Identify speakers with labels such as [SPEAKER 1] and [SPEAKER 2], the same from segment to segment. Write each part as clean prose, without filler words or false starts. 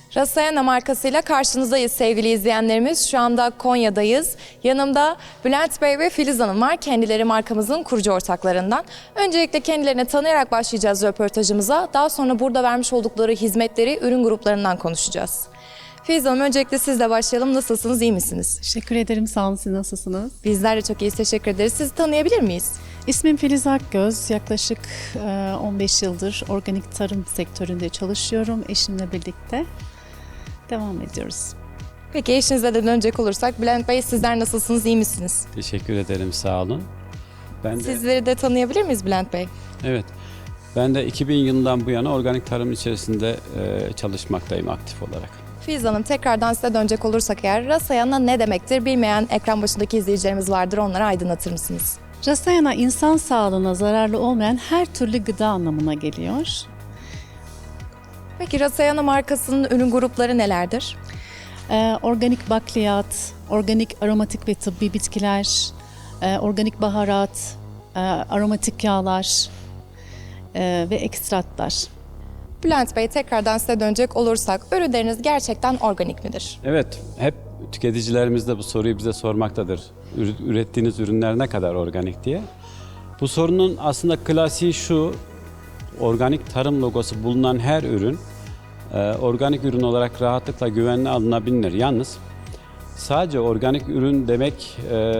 [SPEAKER 1] Rasayana markasıyla karşınızdayız sevgili izleyenlerimiz. Şu anda Konya'dayız. Yanımda Bülent Bey ve Filiz Hanım var. Kendileri markamızın kurucu ortaklarından. Öncelikle kendilerini tanıyarak başlayacağız röportajımıza. Daha sonra burada vermiş oldukları hizmetleri, ürün gruplarından konuşacağız. Filiz Hanım, öncelikle sizle başlayalım. Nasılsınız, iyi misiniz?
[SPEAKER 2] Teşekkür ederim, sağ olun. Siz nasılsınız?
[SPEAKER 1] Bizler de çok iyiyiz, teşekkür ederiz. Sizi tanıyabilir miyiz?
[SPEAKER 2] İsmim Filiz Akgöz. Yaklaşık 15 yıldır organik tarım sektöründe çalışıyorum. Eşimle birlikte devam ediyoruz.
[SPEAKER 1] Peki eşinizle de dönecek olursak, Bülent Bey sizler nasılsınız, iyi misiniz?
[SPEAKER 3] Teşekkür ederim, sağ olun.
[SPEAKER 1] Sizleri de tanıyabilir miyiz Bülent Bey?
[SPEAKER 3] Evet, ben de 2000 yılından bu yana organik tarım içerisinde çalışmaktayım aktif olarak.
[SPEAKER 1] Filiz Hanım, tekrardan size dönecek olursak eğer, Rasayana ne demektir? Bilmeyen ekran başındaki izleyicilerimiz vardır, onları aydınlatır mısınız?
[SPEAKER 2] Rasayana, insan sağlığına zararlı olmayan her türlü gıda anlamına geliyor.
[SPEAKER 1] Peki Rasayana markasının ürün grupları nelerdir?
[SPEAKER 2] Organik bakliyat, organik aromatik ve tıbbi bitkiler, organik baharat, aromatik yağlar ve ekstratlar.
[SPEAKER 1] Bülent Bey, tekrardan size dönecek olursak, ürünleriniz gerçekten organik midir?
[SPEAKER 3] Evet, hep tüketicilerimiz de bu soruyu bize sormaktadır. Ürettiğiniz ürünler ne kadar organik diye. Bu sorunun aslında klasiği şu: organik tarım logosu bulunan her ürün organik ürün olarak rahatlıkla güvenle alınabilir. Yalnız sadece organik ürün demek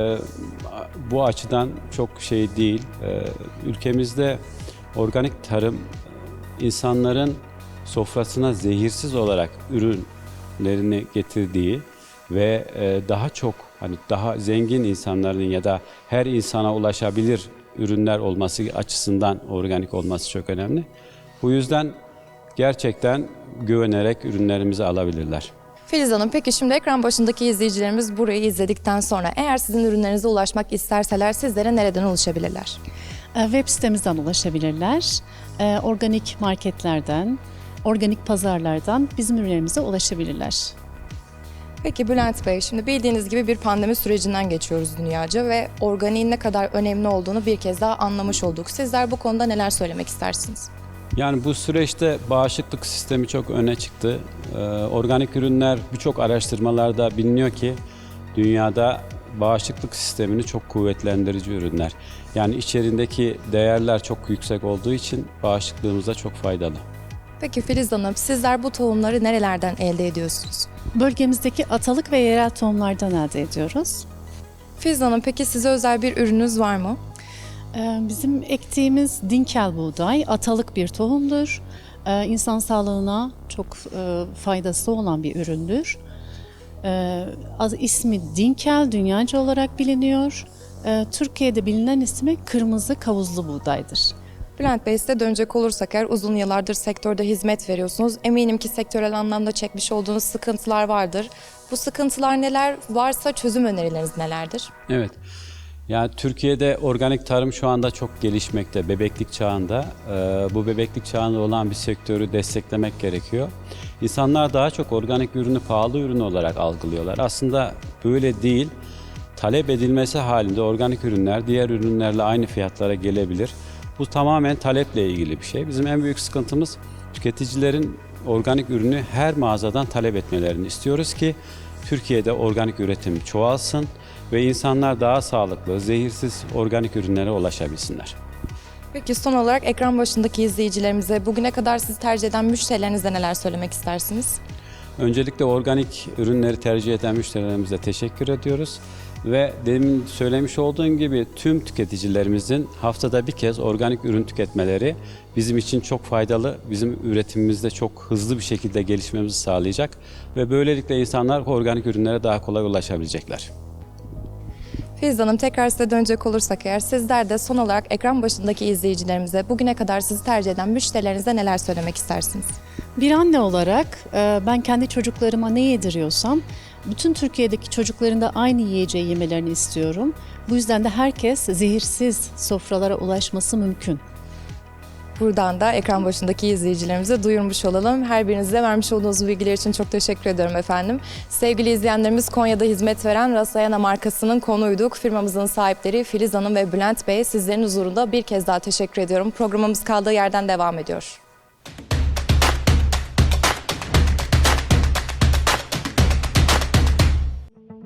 [SPEAKER 3] bu açıdan çok şey değil. Ülkemizde organik tarım insanların sofrasına zehirsiz olarak ürünlerini getirdiği ve daha çok, hani daha zengin insanların ya da her insana ulaşabilir ürünler olması açısından organik olması çok önemli. Bu yüzden gerçekten güvenerek ürünlerimizi alabilirler.
[SPEAKER 1] Filiz Hanım, peki şimdi ekran başındaki izleyicilerimiz burayı izledikten sonra eğer sizin ürünlerinize ulaşmak isterseler sizlere nereden ulaşabilirler?
[SPEAKER 2] Web sitemizden ulaşabilirler. Organik marketlerden, organik pazarlardan bizim ürünlerimize ulaşabilirler.
[SPEAKER 1] Peki Bülent Bey, şimdi bildiğiniz gibi bir pandemi sürecinden geçiyoruz dünyaca ve organiğin ne kadar önemli olduğunu bir kez daha anlamış olduk. Sizler bu konuda neler söylemek istersiniz?
[SPEAKER 3] Yani bu süreçte bağışıklık sistemi çok öne çıktı. Organik ürünler birçok araştırmalarda biliniyor ki dünyada bağışıklık sistemini çok kuvvetlendirici ürünler. Yani içerisindeki değerler çok yüksek olduğu için bağışıklığımıza çok faydalı.
[SPEAKER 1] Peki Filiz Hanım, sizler bu tohumları nerelerden elde ediyorsunuz?
[SPEAKER 2] Bölgemizdeki atalık ve yerel tohumlardan elde ediyoruz.
[SPEAKER 1] Filiz Hanım, peki size özel bir ürününüz var mı?
[SPEAKER 2] Bizim ektiğimiz dinkel buğday atalık bir tohumdur. İnsan sağlığına çok faydası olan bir üründür. İsmi dinkel, dünyaca olarak biliniyor. Türkiye'de bilinen ismi kırmızı kavuzlu buğdaydır.
[SPEAKER 1] Bülent Bey, size dönecek olursak eğer, uzun yıllardır sektörde hizmet veriyorsunuz. Eminim ki sektörel anlamda çekmiş olduğunuz sıkıntılar vardır. Bu sıkıntılar neler, varsa çözüm önerileriniz nelerdir?
[SPEAKER 3] Evet. Yani Türkiye'de organik tarım şu anda çok gelişmekte, bebeklik çağında. Bu bebeklik çağında olan bir sektörü desteklemek gerekiyor. İnsanlar daha çok organik ürünü pahalı ürün olarak algılıyorlar. Aslında böyle değil. Talep edilmesi halinde organik ürünler diğer ürünlerle aynı fiyatlara gelebilir. Bu tamamen taleple ilgili bir şey. Bizim en büyük sıkıntımız tüketicilerin organik ürünü her mağazadan talep etmelerini istiyoruz ki Türkiye'de organik üretim çoğalsın ve insanlar daha sağlıklı, zehirsiz organik ürünlere ulaşabilsinler.
[SPEAKER 1] Peki son olarak ekran başındaki izleyicilerimize bugüne kadar sizi tercih eden müşterilerinize neler söylemek istersiniz?
[SPEAKER 3] Öncelikle organik ürünleri tercih eden müşterilerimize teşekkür ediyoruz. Ve demin söylemiş olduğum gibi tüm tüketicilerimizin haftada bir kez organik ürün tüketmeleri bizim için çok faydalı, bizim üretimimizde çok hızlı bir şekilde gelişmemizi sağlayacak ve böylelikle insanlar organik ürünlere daha kolay ulaşabilecekler.
[SPEAKER 1] Filiz Hanım, tekrar size dönecek olursak eğer, sizler de son olarak ekran başındaki izleyicilerimize bugüne kadar sizi tercih eden müşterilerinize neler söylemek istersiniz?
[SPEAKER 2] Bir anne olarak ben kendi çocuklarıma ne yediriyorsam bütün Türkiye'deki çocukların da aynı yiyeceği yemelerini istiyorum. Bu yüzden de herkes zehirsiz sofralara ulaşması mümkün.
[SPEAKER 1] Buradan da ekran başındaki izleyicilerimize duyurmuş olalım. Her birinize vermiş olduğunuz bilgiler için çok teşekkür ediyorum efendim. Sevgili izleyenlerimiz, Konya'da hizmet veren Rasayana markasının konuyduk. Firmamızın sahipleri Filiz Hanım ve Bülent Bey, sizlerin huzurunda bir kez daha teşekkür ediyorum. Programımız kaldığı yerden devam ediyor.